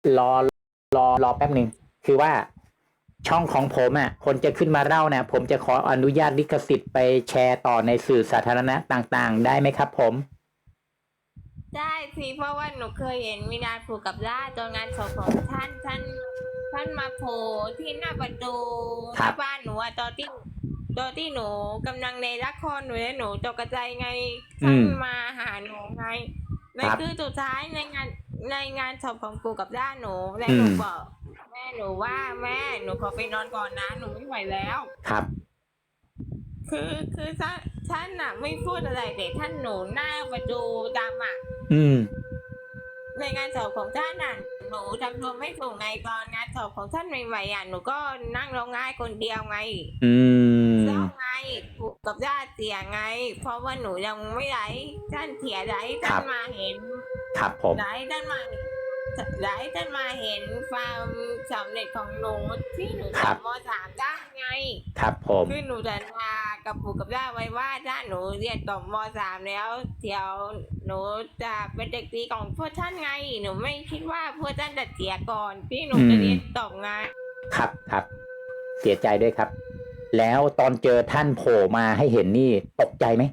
รอรอแป๊บหนึ่งคือว่าช่องของผมคนจะขึ้นมาเล่านะผมจะขออนุญาตลิขสิทธิ์ไปแชร์ต่อในสื่อสาธารณะต่างๆได้ไหมครับผมได้สิเพราะว่าหนูเคยเห็นมีนาผูกกับล่าตอนงานศพของท่านมาโผล่ที่หน้าประตูหน้าครับบ้านหนูอะตอนที่หนูกำลังในละครหนูและหนูตกใจไงท่านอืมมาหาหนูไงในครับคือสุดท้ายในงานศพของปู่กับย่าหนูและอืมหนูบอกแม่หนูว่าแม่หนูขอไปนอนก่อนนะหนูไม่ไหวแล้วครับคือท่านน่ะไม่พูดอะไรแต่ท่านหนูหน้าประตูดำอ่ะอืมในงานศพของท่านน่ะหนูทำตัวไม่ถูกไงตอนงานศพของท่านใหม่ๆหนูก็นั่งร้องไห้คนเดียวไงอืเศร้ามไงผูกกับญาติเสียไงเพราะว่าหนูยังไม่ไหลท่านเสียไหลท่านครับมาเห็นครับผมไหลท่านมาไหลท่านมาเห็นความสำเร็จของหนูที่หนูครับจบม .3 ได้ไงครับผมคือหนูสัญญากับปู่กับย่าไว้ว่าถ้าหนูเรียนจบม .3 แล้วเดี๋ยวหนูจะเป็นเด็กดีของพวกท่านไงหนูไม่คิดว่าพวกท่านจะเสียก่อนที่หนูจะเรียนจบไงครับครับเสียใจด้วยครับแล้วตอนเจอท่านโผล่มาให้เห็นนี่ตกใจไหม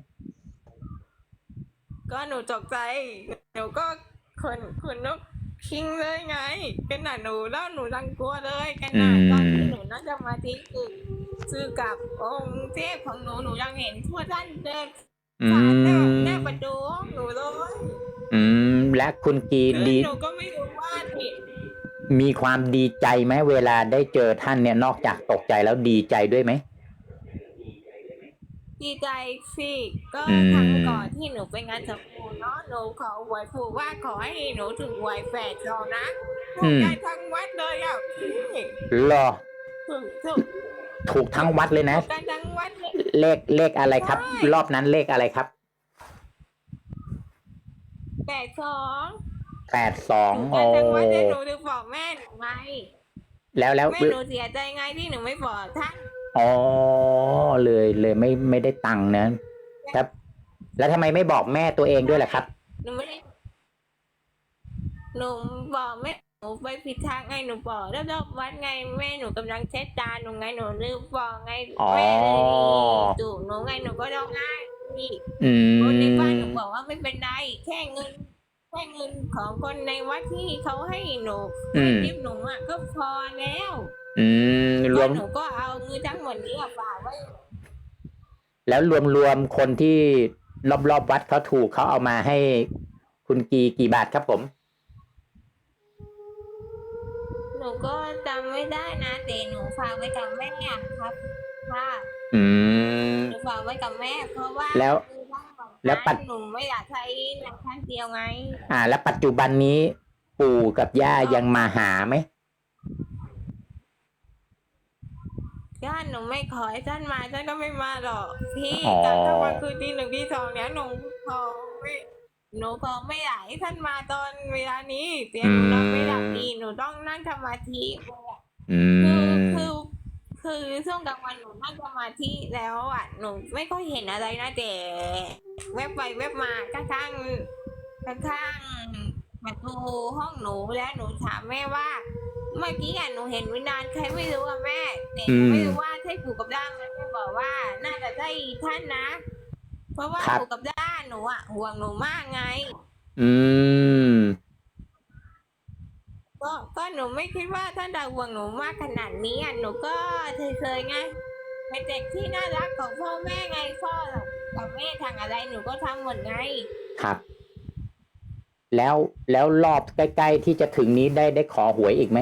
ก็หนูตกใจหนูก็ขนนกคิงเลยไงขนาดหนูแล้วหนูรังกลัวเลยขนาดตอนที่หนูนั่งสมาธิคือกับองค์เทพของหนูยังเห็นพวกท่านเดินอืผ่านหน้ามประตูห้องหนูเลยและคุณกีคือดีหนูก็ไม่รู้ว่าผิดมีความดีใจไหมเวลาได้เจอท่านเนี่ยนอกจากตกใจแล้วดีใจด้วยไหมดีใจสิก็อืครั้งก่อนมที่หนูไปงานจับปูเนาะหนูขอหวยปู่ว่าขอให้หนูถึงหวยแฝดเรานะถูอืมกใจทั้งวัดเลยอ่ะพี่รอถูกถูกทั้งวัดเลยนะถูกกันทั้งวัดเลยเลขอะไรใชครับ่รอบนั้นเลขอะไรครับ 82 82 ถูกโอ้กันทั้งวัดเลยหนูถึงบอกแม่หนูไงแล้วแม่หนูเสียใจไงที่หนูไม่บอกท่านอ๋อเลยไม่ได้ตังค์นะครับแล้วทำไมไม่บอกแม่ตัวเองด้วยล่ะครับหนูไม่ได้หนูบอกแม่หนูไปผิดทางไงหนูบอกแล้วรอบวัดไงแม่หนูกำลังเช็ดจานหนูไงหนูลืมบอกไงอ๋อแม่เลยดุหนูไงหนูก็ร้องไห้พี่อืคนในบ้านหนูบอกมว่าไม่เป็นไรแค่เงินของคนในวัดที่เขาให้หนูอืให้มทิปหนูอ่ะก็พอแล้วอืมรก็วมหนูก็เอาเงินทั้งหมดนี้อะฝากไว้แล้วรวมคนที่รอบวัดเขาถูกเขาเอามาให้คุณกี่บาทครับผมหนูก็จำไม่ได้นะแต่หนูฝากไว้กับแม่อะครับค่ะอืมหนูฝากไว้กับแม่เพราะว่าแล้วคือทั้งหมดแล้วนั้นหนูไม่อยากใช้หนังข้างเดียวไงแล้วปัจจุบันนี้ปู่กับย่าก็ยังมาหาไหมถ้าหนูไม่ขอให้ท่านมาท่านก็ไม่มาหรอกพี่อ๋อตอนกลางวันคือตีหนึ่งตีสองเนี้ยขอไม่หนูขอไม่อยากให้ท่านมาตอนเวลานี้เตียอืหนูนอนไม่หลับมดีหนูต้องนั่งสมาธิอืคือมคือคือช่วงกลางวันหนูนั่งสมาธิแล้วอ่ะหนูไม่ค่อยเห็นอะไรนะแต่แวบไปแวบมาข้างประตูห้องหนูแล้วหนูถามแม่ว่าเมื่อกี้หนูเห็นวิญญาณใครไม่รู้อะแม่แต่หอืมนูไม่รู้ว่าใช่ปู่กับย่าไหมแม่บอกว่าน่าจะใช่ท่านนะเพราะว่าครับปู่กับย่าหนูอ่ะห่วงหนูมากไงอืมก็หนูไม่คิดว่าท่านจะห่วงหนูมากขนาดนี้อ่ะหนูก็เคยๆไงเป็นเด็กที่น่ารักของพ่อแม่ไงพ่อกับแม่ทางอะไรหนูก็ทำหมดไงครับแล้วรอบใกล้ๆที่จะถึงนี้ได้ขอหวยอีกไหม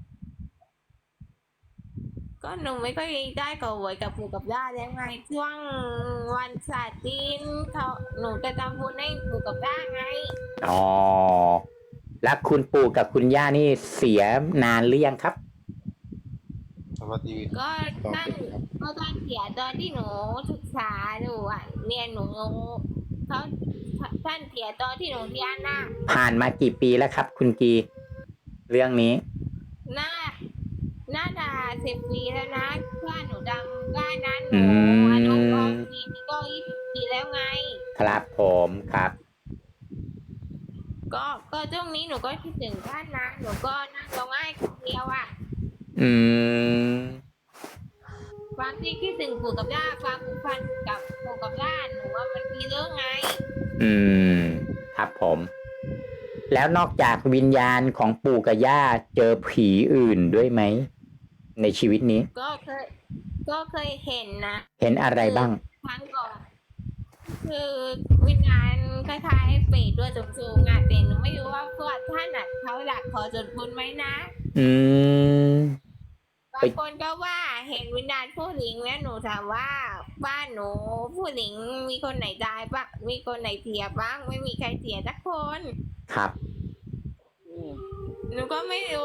ก็หนูไม่ค่อยได้ก่อหวยกับปู่กับย่าแล้วไงช่วงวันศาสตร์จีนเขาหนูจะทำบุญให้ปู่กับย่าไงอ๋อแล้วคุณปู่กับคุณย่านี่เสียนานหรือยังครับสวัสดีก็ต่อท่านไปครับก็ท่านเสียตอนที่หนูศึกษาอยู่อ่ะเรียนหนูเขาท่านเสียตอนที่หนูเรียนน่ะผ่านมากี่ปีแล้วครับคุณกีเรื่องนี้น่าน่าจะ10 ปีแล้วนะถ้าหนูจำได้นะหอืนูอนุบาลม 4นี่ก็20 ปีแล้วไงครับผมครับก็ช่วงนี้หนูก็คิดถึงท่านนะหนูก็นั่งร้องไห้คนเดียวอ่ะอืมความที่คิดถึงปู่กับย่าความผูกพันกับปู่กับย่าหนูว่ามันมีเรื่องไงอืม ครับผม แล้วนอกจากวิญญาณของปู่กับย่าเจอผีอื่นด้วยไหม ในชีวิตนี้ก็เคยเห็นนะเห็นอะไรบ้างครั้งก่อนคือวิญญาณคล้ายๆเปรตด้วยสูงๆอ่ะแต่หนูไม่รู้ว่าพวกท่านอ่ะเขาอยากขอส่วนบุญไหมนะอืมบางคนก็ว่าเห็นวิญญาณผู้หญิงแล้วหนูถามว่าบ้านหนูผู้หญิงมีคนไหนตายบ้างมีคนไหนเสียบ้างไม่มีใครเสียสักคนครับหนูก็ไม่รู้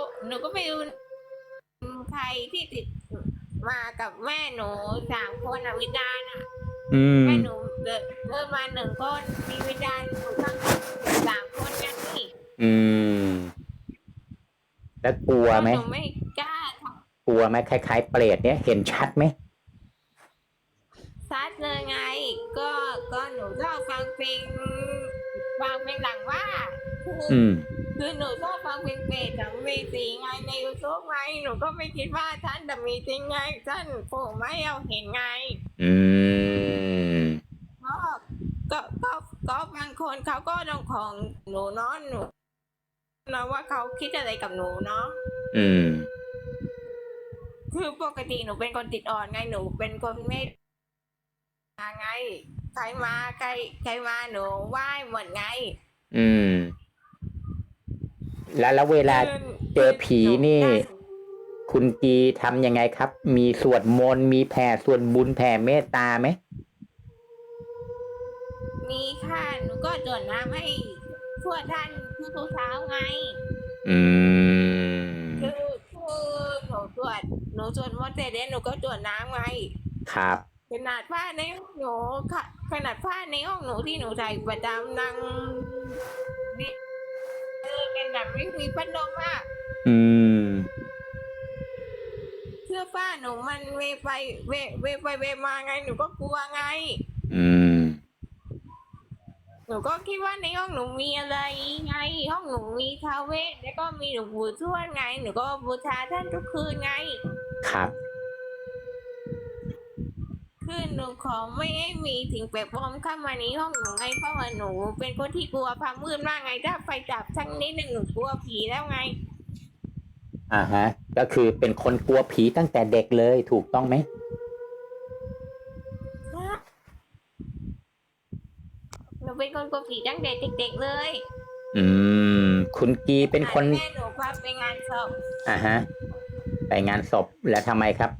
ใครที่ติดมากับแม่หนู3 คนอ่ะวิญญาณอ่ะอืมแม่หนูเดินมา1 คนมีวิญญาณอยู่ข้าง3 คนกันนี่อืม แล้วกลัวไหมหนูไม่กล้าทกลัวไหมคล้ายๆเปรตเนี่ยเห็นชัดไหมำซัดเลยไง ก็หนูชอบฟังเพลงหลังว่าอืมคือหนูชอบฟังเพลงเปรตกับมีสีไงในยูทูบไงหนูก็ไม่คิดว่าท่านจะมีจริงไงท่านโผล่ไม่เอาเห็นไงอืมก็บางคนเขาก็ลงของหนูเนาะหนูนะว่าเขาคิดอะไรกับหนูเนาะอืมคือปกติหนูเป็นคนติดอ่อนไงหนูเป็นคนไม่ไงใครมาหนูไหว้หมดไงอืม แล้วเวลาเจอผีนี่ คุณกีทำยังไงครับ มีสวดมนต์มีแผ่ส่วนบุญแผ่เมตตาไหมมีค่ะหนูก็จดน้ำให้ทั่วท่านทุกเช้าไงอืมคือหนูสวดมนต์เสร็จแล้วหนูก็จดน้ำไงครับขนาดผ้าในห้องหนูค่ะขนาดผ้าในห้องหนูที่หนูใส่ประจำนั่งนี่เป็นแบบไม่มีพัดลมอ่ะอืมเสื้อผ้าหนูมันเวไปเวมาไงหนูก็กลัวไงอืมหนูก็คิดว่าในห้องหนูมีอะไรไง ห้องหนูมีท้าวเวสแล้วก็มีหลวงปู่ทวดไง หนูก็บูชาท่านทุกคืนไงครับคือหนูขอไม่ให้มีสิ่งแปลกปลอมเข้ามาในห้องหนูไงเพราะว่าหนูเป็นคนที่กลัวความมืดมากไงถ้าไฟดับสักนิดหนึ่งหนูกลัวผีแล้วไงอ่าฮะ ก็คือเป็นคนกลัวผีตั้งแต่เด็กเลยถูกต้องไหมหนูเป็นคนกลัวผีตั้งแต่เด็กๆเลยอืม คุณกีเป็นคนแม่หนูพาไปงานศพอ่าฮะ ไปงานศพแล้วทำไมครับ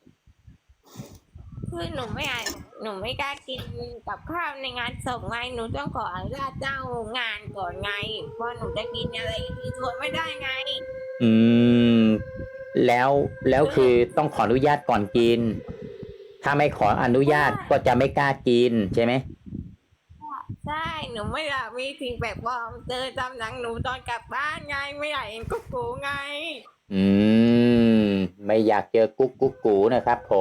คือหนูไม่กล้ากินกับข้าวในงานศพไงหนูต้องขออนุญาตเจ้างานก่อนไงเพราะหนูจะกินอะไรที่ชวนไม่ได้ไงอืม แล้วคือต้องขออนุญาตก่อนกิน ถ้าไม่ขออนุญาตก็จะไม่กล้ากินใช่ไหมใช่หนูไม่อยากมีสิ่งแปลกปลอมเจอตามหนังหนูตอนกลับบ้านไงไม่อยากเห็นกุ๊กกูไงอืม ไม่อยากเจอกุ๊กกุ๊กกูนะครับผม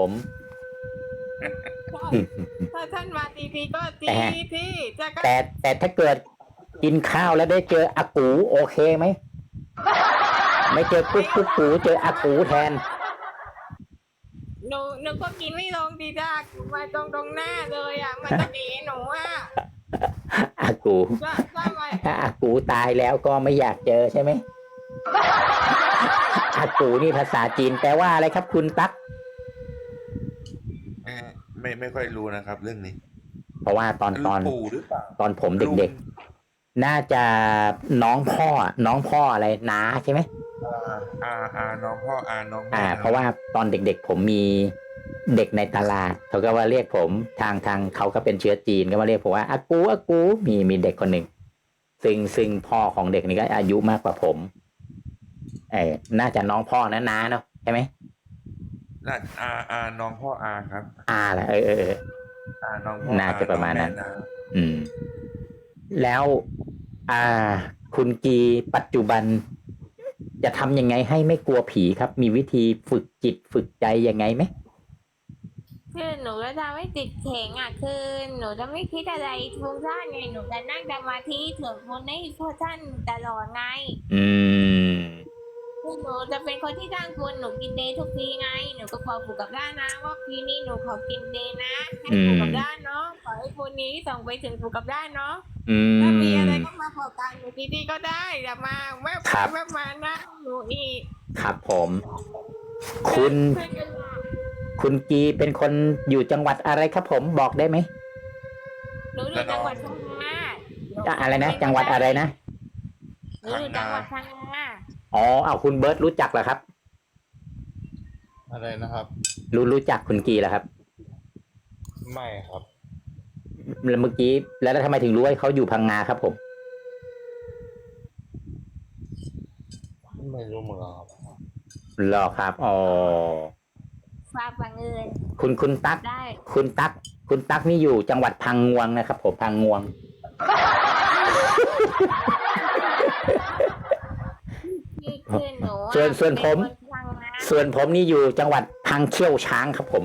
ถ้าท่านมาทีก็ทีที่จะก็แต่ถ้าเกิดกินข้าวแล้วได้เจออากูโอเคไหม ไม่เจอกุ๊กกุ๊กกูเจออากูแทนหนูก็กินไม่ลงดีจ้ามาตรงหน้าเลยอ่ะมันจะหนีหนูอ่ะอากูถ้ามาถ้าอากูตายแล้วก็ไม่อยากเจอใช่ไหม อากูนี่ภาษาจีนแปลว่าอะไรครับคุณตั๊กไม่ค่อยรู้นะครับ เรื่องนี้เพราะว่าตอนปู่หรือเปล่าตอนผมเด็กๆ น่าจะน้องพ่ออะไรน้าใช่ไหมน้องพ่อน้องแม่เพราะว่าตอนเด็กๆผมมีเด็กในตลาดเขาก็ว่าเรียกผมทางเขาก็เป็นเชื้อจีนก็มาเรียกผมว่าอากูมีเด็กคนหนึ่งซึ่งพ่อของเด็กนี่ก็อายุมากกว่าผมน่าจะน้องพ่อนะน้าเนาะใช่ไหมน้องพ่อครับแหละน้องพ่อน่าจะประมาณนั้นองแนะอืม แล้วคุณกีปัจจุบัน จะทำยังไงให้ไม่กลัวผีครับ มีวิธีฝึกจิตฝึกใจยังไงไหมคคือหนูจะทำให้จิตแข็งอ่ะคือหนูจะไม่คิดอะไรฟุ้งซ่านไงหนูจะนั่งสมาธิถึงคนให้พ่อท่านตลอดไงอืมคือหนูจะเป็นคนที่จ้างคุณหนูกินเดย์ทุกปีไงหนูก็บอกปู่กับย่านะว่าปีนี้หนูขอกินเดย์นะให้ปู่กับย่าเนาะขอให้คนนี้ส่งไปถึงปู่กับย่าเนาะอืถ้ามีอะไรมก็มาขอการหนูดีๆก็ได้อย่ามาแวบครัไปบแวบมานะหนูอีกครับผม คุณเพื่อนกันมาคุณกีเป็นคนอยู่จังหวัดอะไรครับผมบอกได้ไหมหนูอยู่จังหวัดพังงาอะไรนะ จังหวัดอะไรนะหนูอยู่จังหวัดพังงาอ๋อเอาคุณเบิร์ตรู้จักเหรอครับอะไรนะครับรู้จักคุณกีเหรอครับไม่ครับแล้วเมื่อกี้แล้วทำไมถึงรู้ว่าเขาอยู่พังงาครับผมไม่รู้เหมือนกันครับเหรอครับอ๋อฟ้าบังเอิญคุณตั๊กได้คุณตั๊กนี่อยู่จังหวัดพังงวงนะครับผมพังงวงที่คือหนูอะส่วนผมเป็นคนพังงาส่วนผมนี่อยู่จังหวัดพังเขี้ยวช้างครับผม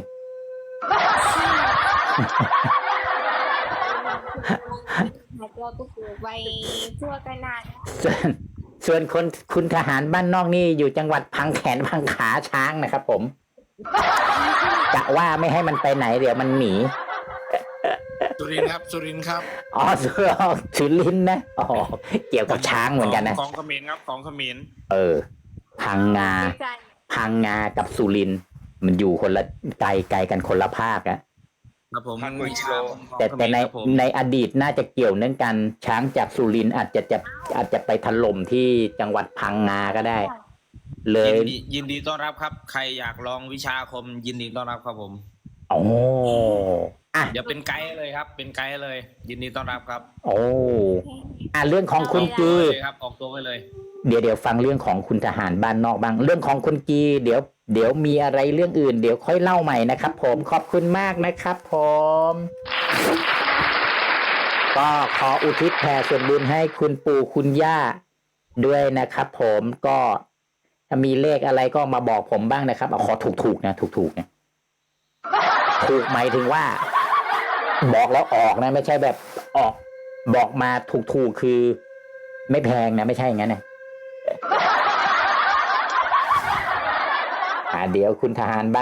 เราก็ปลูกไปทั่วกันนานส่วนคุณทหารบ้านนอกนี่อยู่จังหวัดพังแขนพังขาช้างนะครับผมกะว่าไม่ให้มันไปไหนเดี๋ยวมันหนีสุรินทร์ครับสุรินทร์ครับอ๋อสุรินทร์นะอ๋อเกี่ยวกับช้างเหมือนกันนะของเขมรครับของเขมรพังงาดีใจพังงากับสุรินทร์มันอยู่คนละไกลกันคนละภาคอะครับผม 1,000 กว่ากิโลแต่ในครับผมในอดีตน่าจะเกี่ยวเนื่องกันช้างจากสุรินทร์อาจจะไปถล่มที่จังหวัดพังงาก็ได้ เลยยินดีต้อนรับครับ ใครอยากลองวิชาอาคมยินดีต้อนรับครับผมโอ้อ่ะเดี๋ยวเป็นไกด์เลยครับ เป็นไกด์เลย ยินดีต้อนรับครับโอ้เรื่องของคุณกีเลยครับออกตัวไว้เลยเดี๋ยวฟังเรื่องของคุณทหารบ้านนอกบ้าง เรื่องของคุณกีเดี๋ยวมีอะไรเรื่องอื่น เดี๋ยวค่อยเล่าใหม่นะครับผมขอบคุณมากนะครับผมก็ขออุทิศแผ่ส่วนบุญให้คุณปู่คุณย่าด้วยนะครับผมก็ถ้ามีเลขอะไรก็มาบอกผมบ้างนะครับเอาขอถูกนะถูกนะถูกหมายถึงว่า บอกแล้วออกนะไม่ใช่แบบออกบอกมาถูกคือ ไม่แพงนะไม่ใช่อย่างนั้นนะเดี๋ยวคุณทหารบ้าน